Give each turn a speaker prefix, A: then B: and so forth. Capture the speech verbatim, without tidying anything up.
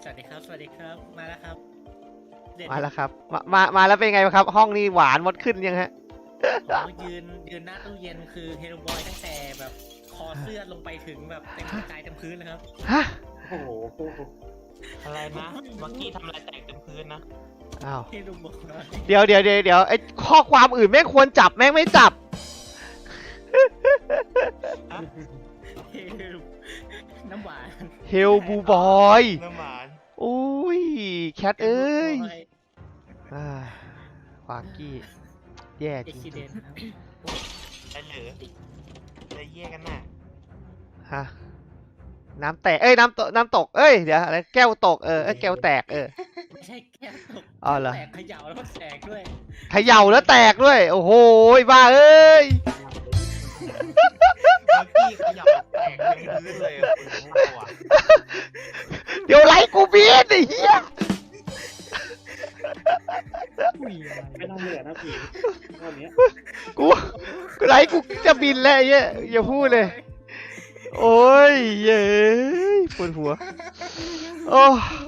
A: วัสดีครับสวัสดีครับมาแล้วครับเด็ด
B: มาแล้วครับมามามาแล้วเป็นไงบ้างครับ ห้องนี้หวานมดขึ้นยังฮะ
A: อ๋อยืนยืนหน้าตู้เย็นคือเฮโรบอยตั้งแต่แบบคอเสื้อลงไปถึงแบบเต็มกระจายเต็มพื้นเลยครับ
B: ฮะ
C: โอ้โห
D: อะไรนะเมื่อกี้ทำอะไรแตกเต็มพื้นนะ
B: อ้าว
A: เฮโรบอย
B: เดี๋ยวเดี๋ยวเดี๋ยวเดี๋ยวไอ้ข้อความอื่นแม่งควรจับแม่งไม่จับ
A: เฮโรน้ำหวาน
B: เฮลบูบอย
D: น้ำหวาน
B: โอ้ยแคทเอ้ย
A: ฮโรบอย
B: อ่าควากี้แย่จ
A: เอ็กซิ
B: ริ
A: เด
B: ง
A: นครับ
D: ไอ้เหลือจะเยี่ยกันน่ะ
B: ๆฮะน้ำแตกเอ้ยน้ำตกน้ำตกเอ้ยเดี๋ยวอะไรแก้วตกเออเอ้ยแก้วแตกเออ
A: ไม่ใช่แก้วตก
B: อ๋อเหรอ
A: แตกเขย่าแล้วก็แตกด้วย
B: เขย่าแล้วแตกด้วยโอ้โหบ้าเอ้ย
D: เมื่อกี้ขยับแตกเต็มพื้นเลยอะคุณพ่อ
B: เดี๋ยวไลค์กูเบียดไอ้เหี้ย
C: ไม่น่าเหลือนะผีตอนนี้ย
B: กูไลค์กูจะบินแล้วไอ้เหี้ยอย่าพูดเลย โอ้ยเย้ยปวดหัว โอ้